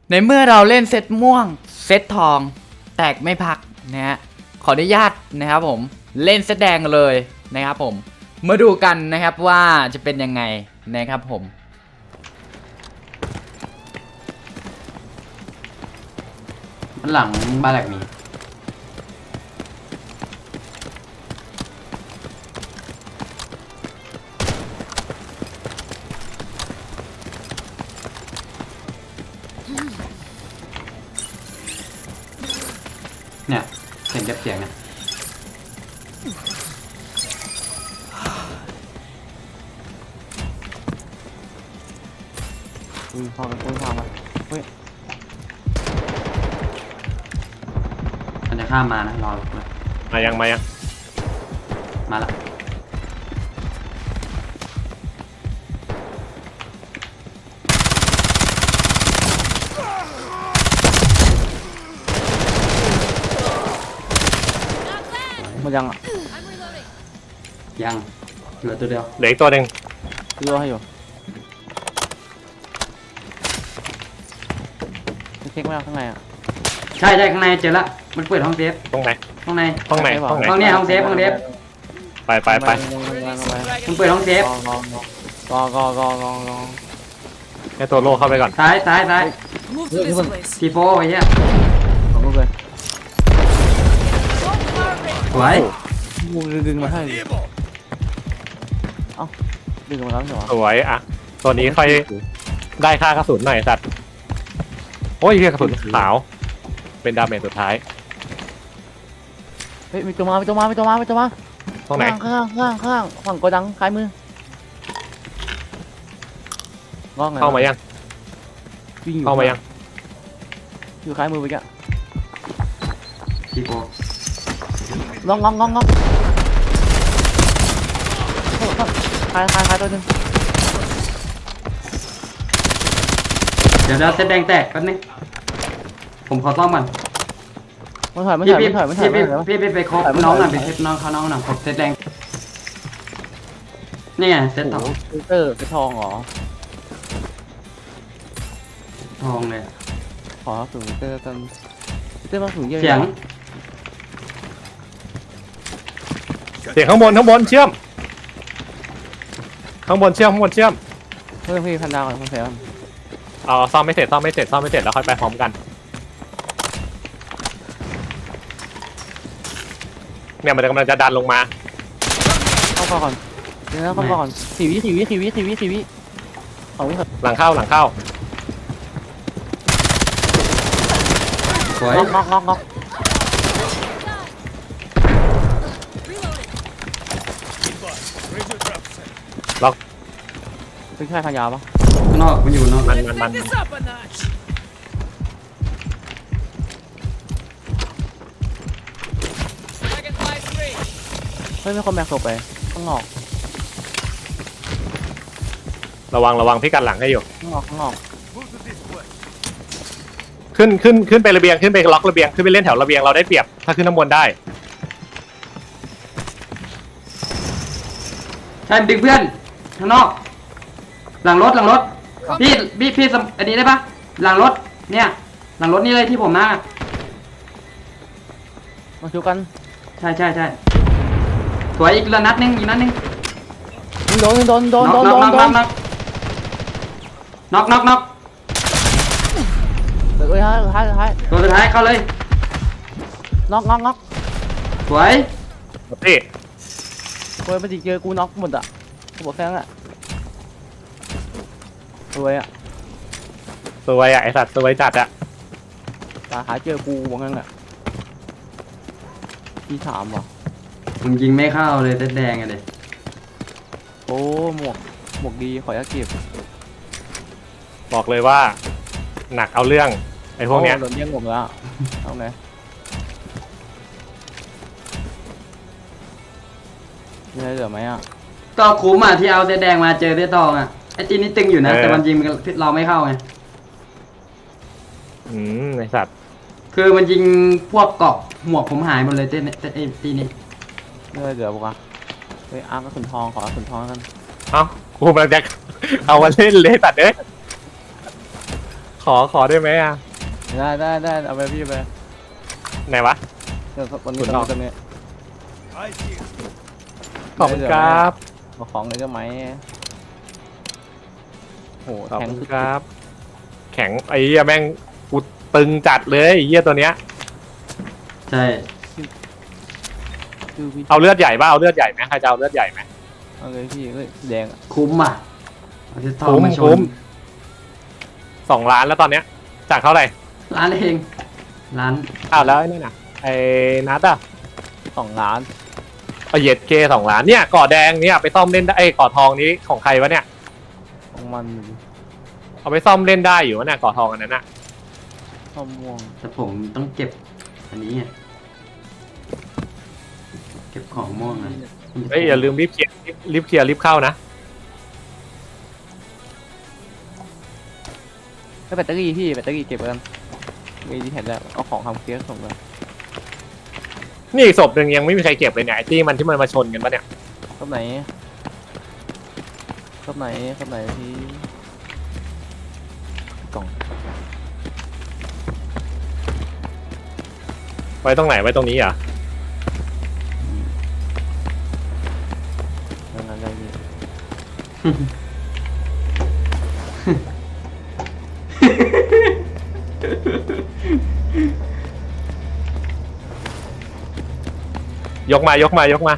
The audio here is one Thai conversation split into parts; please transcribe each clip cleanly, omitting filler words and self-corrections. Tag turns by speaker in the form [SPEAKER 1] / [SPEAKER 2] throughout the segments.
[SPEAKER 1] ในเมื่อเราเล่นเซตม่วงเซตทองแตกไม่พักนะฮะขออนุญาตนะครับผมเล่นเซตแดงเลยนะครับผมมาดูกันนะครับว่าจะเป็นยังไงนะครับผม
[SPEAKER 2] มันหลังบ้านแหลกมีเนี่ยเสียงเก็บเสียงเนี่ย
[SPEAKER 3] พอมันพอมาเฮ้ย
[SPEAKER 2] มันจะข้ามมานะรอเลย
[SPEAKER 4] มายัง
[SPEAKER 2] มาละ
[SPEAKER 3] มันยังอ่ะ
[SPEAKER 2] ยังเหลือตัวเดียว
[SPEAKER 4] เหลืออีกตัวหนึ่ง
[SPEAKER 3] รอให้อยู่เช็คไม่เอาข้างในอ่ะ
[SPEAKER 2] ใช่ข้างในเจอละมันเปิดห้องเซฟ
[SPEAKER 4] ตรงไหน
[SPEAKER 2] ห้องใน
[SPEAKER 4] ห้องไหนห้องไหน
[SPEAKER 2] ห้องเนี้ยห้องเซฟ
[SPEAKER 4] ไป
[SPEAKER 2] มันเปิดห้องเซฟ
[SPEAKER 3] กอ
[SPEAKER 4] ให้ตัวโลเข้าไปก่อน
[SPEAKER 2] ซ้าย
[SPEAKER 5] Move to this place.
[SPEAKER 2] ทีโฟไอ้เหี้ย
[SPEAKER 3] ขอบคุณเลย
[SPEAKER 2] สวย
[SPEAKER 3] กูดึงมาให้เอ้าดึงมาแล้วใช่ไหม
[SPEAKER 4] สวยอ่ะตัวนี้ค่อยได้ค่ากระสุนหน่อยสัตว์โอ้ยเรียกกระสุนขาวเป็นดาเมจสุดท้าย
[SPEAKER 3] เฮ้ยมีตัวมา
[SPEAKER 4] ตรงไหน
[SPEAKER 3] ข้างฝั่งโกดังซ้ายมือ
[SPEAKER 4] เข้ามายัง
[SPEAKER 3] วิ่งอยู่
[SPEAKER 4] เข้ามายัง
[SPEAKER 3] อยู่ซ้ายมือไปแก
[SPEAKER 2] ทีโฟ
[SPEAKER 3] งอกคลายตัวนึง
[SPEAKER 2] เดี๋ยวเซตแดงแตกแป๊บนึงผมขอซ่อมก่อน
[SPEAKER 3] มันถอย
[SPEAKER 2] พี่ไปครบน้องหน่อยไปเซตน้องเขาน้องหน่อยครบเซตแดงนี่ไงเซตทอง
[SPEAKER 3] เตอร์เป็นทองเหรอ
[SPEAKER 2] ทองเลย
[SPEAKER 3] ขอสูงเตอร์กันเตอร์มาสูงเยอะ
[SPEAKER 2] เสียง
[SPEAKER 4] เสียงข้างบนเชื่อมข้างบนเชื่อม
[SPEAKER 3] เพื่อนพี่พันดาวกับคุณแซม
[SPEAKER 4] เอาซ่อมไม่เสร็จแล้วค่อยไปพร้อมกันเนี่ยมันกำลังจะดันลงมา
[SPEAKER 3] เข้าก่อนเดี๋ยวนะเข้าก่อน4 วิของวิ
[SPEAKER 4] หลังเข้า
[SPEAKER 2] สวย
[SPEAKER 3] งอก
[SPEAKER 4] ล็อก
[SPEAKER 3] เป็นแค่พันยาวปะ
[SPEAKER 2] ข้างนอกมันอยู่นอก
[SPEAKER 4] มัน
[SPEAKER 5] Back this up a notch. Dragon flies free.
[SPEAKER 3] เฮ้ยไม่คนแบกศพไปข้างนอก
[SPEAKER 4] ระวังพี่กันหลังให้อยู่
[SPEAKER 3] ข้างนอก
[SPEAKER 4] ขึ้นไประเบียงขึ้นไปล็อกระเบียงขึ้นไปเล่นแถวระเบียงเราได้เปรียบถ้าขึ้นข้างบนได้
[SPEAKER 2] ใช่ดึงเพื่อนข้างนอกหลังรถพี่อันนี้ได้ปะหลังรถเนี่ยหลังรถนี่เลยที่ผมมา
[SPEAKER 3] มาชูกัน
[SPEAKER 2] ใช่สวยอีกนัดนึง
[SPEAKER 3] โดน
[SPEAKER 2] น็อก
[SPEAKER 3] เฮ้ยท้าย
[SPEAKER 2] ตัวสุดท้ายเข้าเลย
[SPEAKER 3] น็อก
[SPEAKER 2] สวย
[SPEAKER 4] นี่
[SPEAKER 3] เฮ้ยมันจิเจอกูน็อกหมดอ่ะกูบอกแค่นั้นแหละสวยอ่ะ
[SPEAKER 4] สวยไอสัตว์สวยจัดอะ
[SPEAKER 3] ตาหาเจอกูบอกงั้นแหละที่3ว่ะ
[SPEAKER 2] มึงยิงไม่เข้าเลยเต็ดแดงอะเด็ก
[SPEAKER 3] โอ้หมวกดีขอยักเก็บ
[SPEAKER 4] บอกเลยว่าหนักเอาเรื่องไอพวกเนี้ย
[SPEAKER 3] โดนแย่งผมแล้วเอาไงมีอะไรเหลือไหมอ่ะ
[SPEAKER 2] ก็คุ้มอ่ะที่เอาเต็ดแดงมาเจอเต็ดทองอ่ะไอ้จีนี่ตึงอยู่นะแต่มันยิงเราไม่เข้าไง
[SPEAKER 4] ไอสัตว์
[SPEAKER 2] คือมันยิงพวกเกาะหมวกผมหายหมดเลยเต็ดตีนี่
[SPEAKER 3] มีอะไรเหลือปะเฮ้ยอาร์ก็ขุนทองขอขุนทองกัน
[SPEAKER 4] เอ้ากูมันจะเอามาเล่นเลยตัดเอ้ยขขอได้ไหมอ่ะ
[SPEAKER 3] ได้เอาไปพี่ไป
[SPEAKER 4] ไหนวะ
[SPEAKER 3] เดี๋ยววันนี้
[SPEAKER 4] คุณลอง
[SPEAKER 3] ตรงนี้
[SPEAKER 4] ขอบคุณครับ
[SPEAKER 3] เอาของเลยก็ไหมโห
[SPEAKER 4] ขอบ
[SPEAKER 3] แข็ง
[SPEAKER 4] คุณครับ แข็งไอ้เหี้ยแม่งกูตึงจัดเลยไอ้เหี้ยตัวเนี้ย
[SPEAKER 2] ใช่
[SPEAKER 3] คือพี่
[SPEAKER 4] เอาเลือดใหญ่ป่ะเอาเลือดใหญ่ไหมใครจะเอาเลือดใหญ่ไหม
[SPEAKER 3] เอาเลยพี่เฮ้ยแดงอะ
[SPEAKER 2] คุ้มอ่ะเอาที่ทอง
[SPEAKER 4] คุ้ม
[SPEAKER 2] มาช
[SPEAKER 4] คุ้
[SPEAKER 2] น
[SPEAKER 4] ม 2 ล้านแล้วตอนเนี้ยจากเท่าไหร่
[SPEAKER 2] ร้านเองร้าน
[SPEAKER 4] อ้าวแล้วไอ้นี่น่ะไอ้นัทอ่ะ
[SPEAKER 3] 2 ล้าน
[SPEAKER 4] เอาเย็ดเค2 ล้านเนี่ยเกาะแดงเนี่ยไปซ่อมเล่นได้ไอ้เกาะทองนี้ของใครวะเนี่ย
[SPEAKER 3] ของมัน
[SPEAKER 4] เอาไปซ่อมเล่นได้อยู่วะเนี่ยเกาะทองอันนั้นน่ะ
[SPEAKER 3] ข้าวม่วง
[SPEAKER 2] แต่ผมต้องเก็บอันนี้ไงเก็บของม่วงนะ
[SPEAKER 4] เอ้ยอย่าลืมรีบเคลียร์รีบเข้านะ
[SPEAKER 3] แล้วแบตเตอรี่พี่แบตเตอรี่เก็บกันมีที่แผ่นแล้วเอาของทำเคียร์ส่งกัน
[SPEAKER 4] นี่อีกศพหนึ่งยังไม่มีใครเก็บเลยเนี่ยไอ้ที่มันมาชนกันปะเนี่ย
[SPEAKER 3] รอบไหนพี่กล่อง
[SPEAKER 4] ไว้ตรงไหนไว้ตรงนี้เหรอ่ะ
[SPEAKER 3] นั่นอะไรพี่
[SPEAKER 4] ยกมายกมาอีก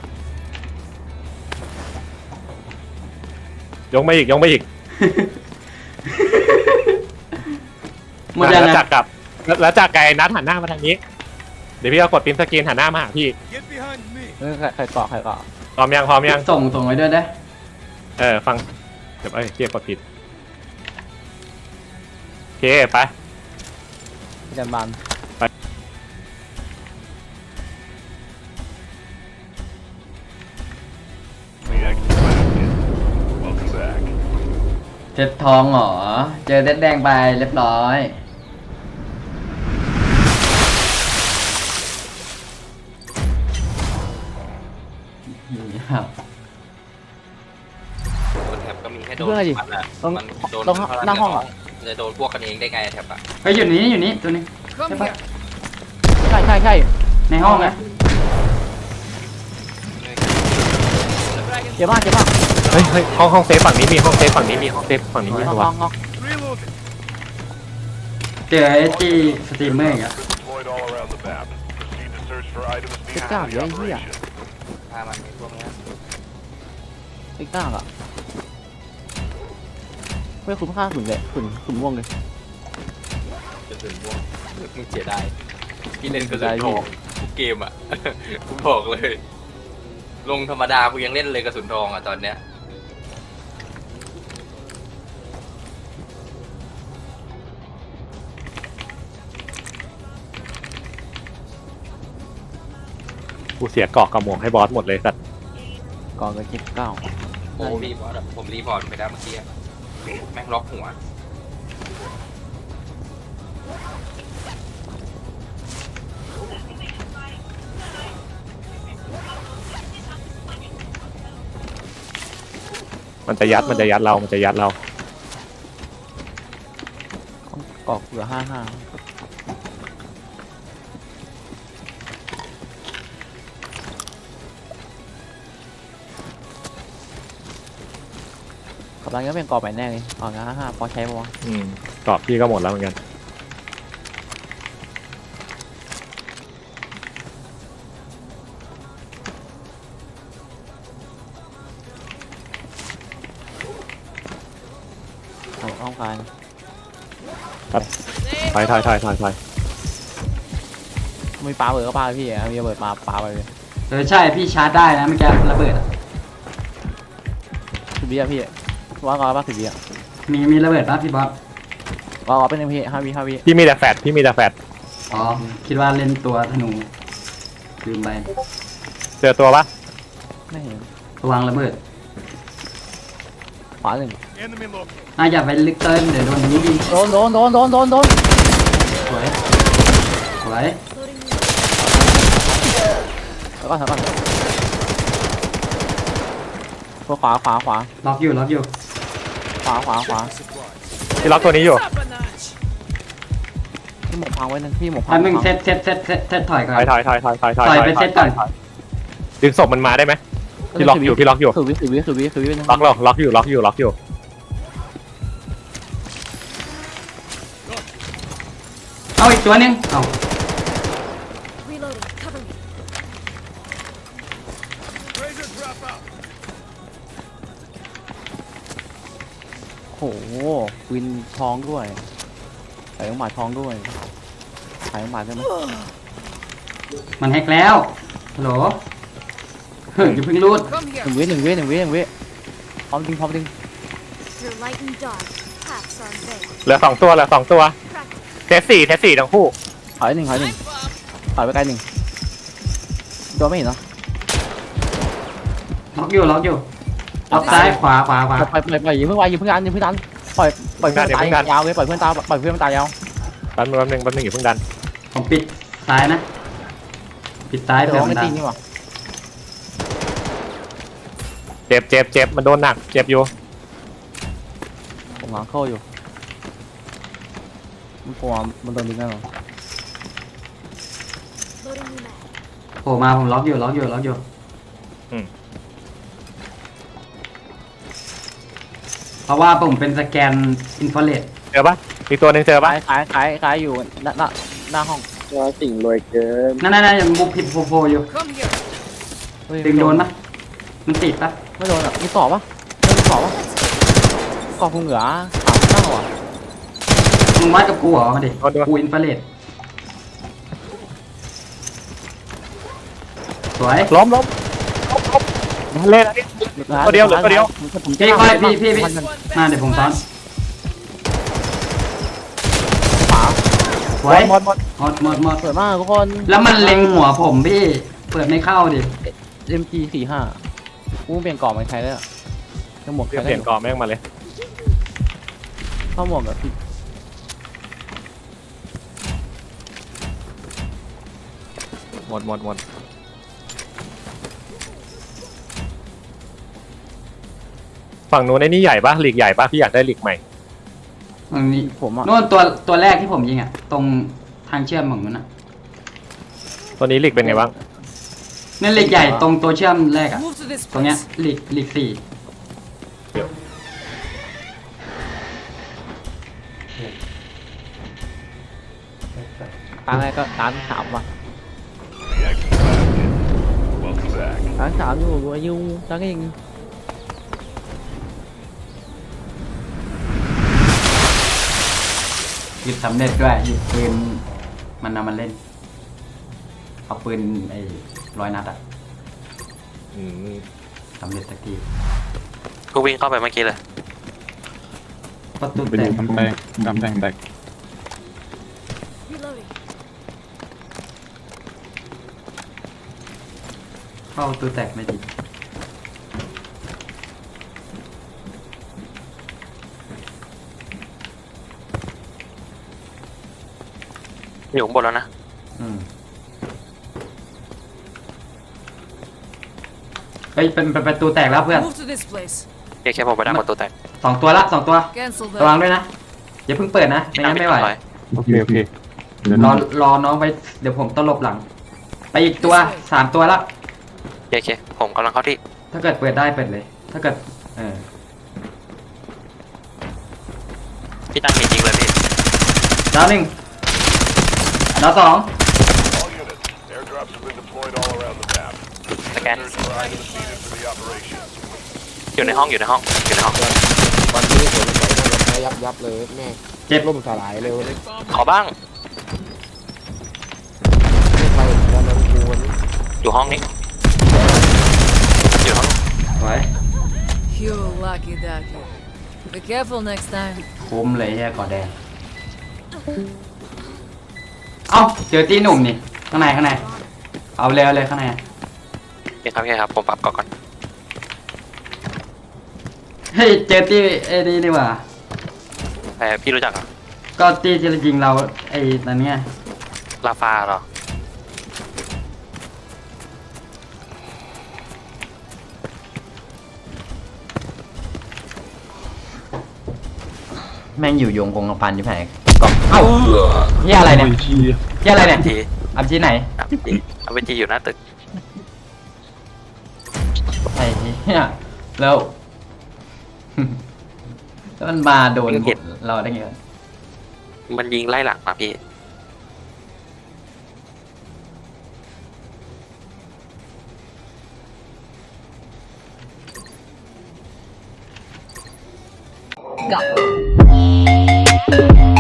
[SPEAKER 2] หมดยัง
[SPEAKER 4] แล้ว
[SPEAKER 2] นะ
[SPEAKER 4] จากกับแล้วจากไกลนัดหันหน้ามาทางนี้เดี๋ยวพี่เอากดพิมพ์สกรีนหันหน้ามาหาพี่
[SPEAKER 3] เฮ้ยใครเกาะ
[SPEAKER 4] พร้อมยัง
[SPEAKER 2] ส่งไว้ด้วยได้
[SPEAKER 4] ฟังเดี๋ยวเกียร์กดผิดโอเคไป
[SPEAKER 3] พี่จันบาน
[SPEAKER 2] เซ็ตทองเหรอเจอเซ็ตแดงไปเรียบร้อยนี่ครับ
[SPEAKER 6] บนแท็บก็มีแค่โดน
[SPEAKER 3] เพื่อนอะไรดิ
[SPEAKER 6] มันอะ
[SPEAKER 3] ต้อง
[SPEAKER 6] มันโดน
[SPEAKER 3] ต้องหน้าห้องเหรอ
[SPEAKER 6] มันจะโดนพวกกันเองได้ไงแท็บอะ
[SPEAKER 2] เฮ้ยอยู่นี่ตัวนึง
[SPEAKER 5] Come
[SPEAKER 2] Hey,
[SPEAKER 5] here.
[SPEAKER 3] ใช่
[SPEAKER 2] ในห้องนะ
[SPEAKER 3] เจ็บมาก
[SPEAKER 4] เฮ้ยห้องเซฟฝั่งนี้มีห้องเซฟฝั่งนี้มีตัว
[SPEAKER 3] งอก
[SPEAKER 2] เจอไอ้ที่สตรีมเมอร์อีกอะ
[SPEAKER 7] Deployed all around the map. Proceed to search for items
[SPEAKER 3] เจ็บ
[SPEAKER 7] needed
[SPEAKER 3] กล้า
[SPEAKER 7] for
[SPEAKER 3] เย
[SPEAKER 7] the
[SPEAKER 3] อะไอ้เหี้ย
[SPEAKER 7] operation.
[SPEAKER 6] ถ้ามันมีพวกเนี้ย
[SPEAKER 3] เจ็บกล้าอะไม่คุ้มค่าขุนเลยขุนม่วงเลย
[SPEAKER 6] จะถึงพวกมึงเสียดายพี่เล่นกระสุนทองทุกเกมอะ กูบอกเลย ลงธรรมดากูยังเล่นเลยกระสุนทองอะตอนเนี้ย
[SPEAKER 4] กูเสียเกาะกับหมวกให้บอสหมดเลยสัตว์
[SPEAKER 3] ก่อนกับเจ็บเก้า
[SPEAKER 6] โอ้รีพอร์ตอะผมรีพอร์ตไปแล้วเมื่อกี้อะแม่งล็อกหัว
[SPEAKER 4] มันจะยัดเรา
[SPEAKER 3] กอกเหลือ55กำลังจะเป็นกรอบใหม่แน่เลยอ๋อนะ55พอใช้ปะวะ
[SPEAKER 4] เกาะพี่ก็หมดแล้วเหมือนกัน
[SPEAKER 3] เอาห้องการ
[SPEAKER 4] ถอย
[SPEAKER 3] มีปลาเบิดก็ปลาพี่มีระเบิดมาปลาไปเลย
[SPEAKER 2] ใช่พี่ชาร์จได้นะเมื่อกี้ระเบิดอะ
[SPEAKER 3] 10 วิอะพี่ว่างอป่ะ10 วิอะ
[SPEAKER 2] มีระเบิดป่ะพี่บอส
[SPEAKER 3] ว่างอเป็นหนึ่งพี่5 วิ5 วิ
[SPEAKER 4] พี่มีแต่แฟด
[SPEAKER 2] อ๋อคิดว่าเล่นตัวธนูลืมไป
[SPEAKER 4] เจอตัวปะ
[SPEAKER 3] ไม่เห็น
[SPEAKER 2] ระวังระเบิด
[SPEAKER 3] ขวาหนึ่ง
[SPEAKER 7] Enemy located.
[SPEAKER 2] อย่าไปลึกเกินเดี๋ยวโดนนี้ยิง
[SPEAKER 3] โดน
[SPEAKER 2] สวยสวย
[SPEAKER 3] แล้วก็ถอยก่อนตัวขวา
[SPEAKER 2] ล็อกอยู่
[SPEAKER 3] ขวา
[SPEAKER 6] Supplies.
[SPEAKER 4] พี่ล็อกตัวนี้อยู่
[SPEAKER 5] Up a notch.
[SPEAKER 3] พี่หมกพังไว้นึงพี่หมกพั
[SPEAKER 2] แป๊
[SPEAKER 3] ง
[SPEAKER 2] บนึงเซตถอยก่อน
[SPEAKER 4] ถอย
[SPEAKER 2] ไปเซตก่อน
[SPEAKER 4] ดึงศพมันมาได้ไหมพี่ล็อกอยู่
[SPEAKER 3] คือวินึง
[SPEAKER 4] ล็อกอยู่
[SPEAKER 2] เอาอีกตัวหนึงเอา
[SPEAKER 8] Reloading. Cover me.
[SPEAKER 7] Razor drop out.
[SPEAKER 3] โหวินทองด้วยใส่ของหมาทองด้วยใส่ของหมาใช่ไหม
[SPEAKER 2] มันแฮกแล้วฮัลโหลเฮ้ยอย่าเพิ่งรูด
[SPEAKER 5] Come here.
[SPEAKER 3] หนึ่งวิพร้อมดึง
[SPEAKER 8] Through light and dark, paths are veiled.
[SPEAKER 4] เหลือ2 ตัว
[SPEAKER 8] Practice.
[SPEAKER 4] เทส4ทั้งคู่
[SPEAKER 3] ถอยหนึ่งถอยไปไกลหนึ่งตัวไม่เห็นเนาะ
[SPEAKER 2] ล็อกอยู่ล็อกซ้ายขวา
[SPEAKER 3] ปล่อยอย่าเพิ่งดันปล่อยเพื่อนตายยาวเลยปล่อยเพื่อนตายยาว
[SPEAKER 4] แป๊บนึงอย่าเพิ่งดัน
[SPEAKER 2] ผมปิดซ้ายนะ ปิดซ้าย
[SPEAKER 3] เดี๋
[SPEAKER 2] เผื่
[SPEAKER 3] ย
[SPEAKER 2] อ
[SPEAKER 3] ว
[SPEAKER 2] มัน
[SPEAKER 3] ไม่
[SPEAKER 2] ดั
[SPEAKER 3] ตี
[SPEAKER 2] ง
[SPEAKER 3] นี่หว่า
[SPEAKER 4] เจ็บมันโดนหนักเจ็บอยู่
[SPEAKER 3] ผมหลังเข้าอยู่มันโดนดึงแน่นอน
[SPEAKER 8] Loading new mag.
[SPEAKER 2] โผล่มาผมล็อกอยู่เพราะว่าผมเป็นสแกนอินฟราเรด
[SPEAKER 4] เจอปะอีกตัวหนึงเจอปะ
[SPEAKER 3] ขายอยู่หน้าห้อง
[SPEAKER 2] นั่นยังบุกผิดโผล่อยู่
[SPEAKER 5] Come here.
[SPEAKER 2] ดึงโดนปะมันติดปะ
[SPEAKER 3] ไม่โดนอ่ะมีต่อปะกรอบพุงเหนือ3 9อ่ะ
[SPEAKER 2] มึงวัดกับกูเหรอมาดิกูอินฟราเรดสวย
[SPEAKER 4] ล้มเล่นอันนี้ ตัวเดียว
[SPEAKER 2] พี่ค่อยพี่มาเดี๋ยวผมซ้อนสวย
[SPEAKER 4] หมด
[SPEAKER 2] หมด
[SPEAKER 3] สวยมากทุกคน
[SPEAKER 2] แล้วมันเล็งหัวผมพี่เปิดไม่เข้าดิ
[SPEAKER 3] MG45กูเปลี่ยนกรอบมันใช้ได้อ่ะยังหมวก
[SPEAKER 4] เปลี่ยนกรอบแม่งมาเลย
[SPEAKER 3] เข้าหมวกแบบ
[SPEAKER 4] หมดฝั่งนู้นไอ้นี่ใหญ่ปะลีกใหญ่ปะพี่อยากได้ลีกใหม่
[SPEAKER 2] ตรงนี้
[SPEAKER 3] ผมอ่ะ
[SPEAKER 2] นู่นตัวแรกที่ผมยิงอ่ะตรงทางเชื่อมของมันอ่ะ
[SPEAKER 4] ตัวนี้ลีกเป็นไงบ้าง
[SPEAKER 2] นั่นเหล็กใหญ่ตรงตัวเชื่อมแรกอ่ะ
[SPEAKER 5] Move to this
[SPEAKER 2] ตรงเนี้ย
[SPEAKER 5] place.
[SPEAKER 2] เหล็กสี่
[SPEAKER 3] ตาแรกก็ตา3ว่ะ
[SPEAKER 7] The action last. Welcome back.
[SPEAKER 3] ตา3อยู่อายุตาก็ยัง
[SPEAKER 2] หยุดสำเร็จด้วยหยุดปืนมันนำมาเล่นเอาปืนไอ้100 นัดอ่ะ
[SPEAKER 4] อืม
[SPEAKER 2] สำเร็จสักที
[SPEAKER 9] กูวิ่งเข้าไปเมื่อกี้เลย
[SPEAKER 2] ประตู
[SPEAKER 10] ไป
[SPEAKER 2] แต
[SPEAKER 10] ดู
[SPEAKER 2] ก
[SPEAKER 10] กำแพงแตก
[SPEAKER 8] Reloading.
[SPEAKER 2] เข้าประตูแตกไม่ดี
[SPEAKER 9] อยู่ข้างบนแล้วนะ
[SPEAKER 2] อืมเฮ้ยเป็นประตูแตกแล้วเพื่อน
[SPEAKER 5] Move to this place.
[SPEAKER 9] เอเคผมไปดังประตูแตก
[SPEAKER 2] 2 ตัวละ2 ตัว
[SPEAKER 5] Cancel
[SPEAKER 2] ระวัง
[SPEAKER 5] that.
[SPEAKER 2] ด้วยนะอย่าเพิ่งเปิดนะไม่งั้นไม่ไหว
[SPEAKER 10] โอเคเดี๋ยว
[SPEAKER 2] รอน้องไปเดี๋ยวผมตลบหลัง ไปอีกตัว3 ตัวละ
[SPEAKER 9] เอเคผมกำลังเข้าที่
[SPEAKER 2] ถ้าเกิดเปิดได้เปิดเลย ถ้าเกิด
[SPEAKER 9] พี่ตั้งหินยิงเลยพี่
[SPEAKER 2] ดาว 1ดาว 2
[SPEAKER 7] All units, airdrops have been deployed all around the map.
[SPEAKER 9] สแกน
[SPEAKER 7] Search for items needed for the operation.
[SPEAKER 9] อยู่ในห้อง
[SPEAKER 2] เจ็บ
[SPEAKER 9] ขอบ้าง อยู่ห้องนี้ อยู่ห้อง
[SPEAKER 2] สวย
[SPEAKER 5] You lucky ducky. Be careful next time.
[SPEAKER 2] คุ้มเลยแค่กอดแดงเอ้าเจอตีหนุ่มนี่ข้างในเอาเลยข้างใน
[SPEAKER 9] โอเคครับผมปรับก่อน
[SPEAKER 2] เฮ้ยเจอตีไอ้นี่นี่หว่า
[SPEAKER 9] แต่พี่รู้จักเหรอ
[SPEAKER 2] ก็ตีที่ยิงเราไอ้นั่นไง
[SPEAKER 9] ลาฟาเหรอ
[SPEAKER 1] แม่งอยู่ยงคงกระพันอยู่แผงกล่องเอ้าเฮียอะไรอะไรเนี่ย
[SPEAKER 10] โอ้ชี้
[SPEAKER 1] เหี้ยอะไรเนี่ย
[SPEAKER 9] ที
[SPEAKER 1] อับที่ไหน
[SPEAKER 9] เอาไปทีอยู่หน้าตึก
[SPEAKER 1] ไอ้เหี้ยแล้ว แล้วมันมาโดนเราได้ไงวะ
[SPEAKER 9] มันยิงไล่หลังมาพี่
[SPEAKER 1] Got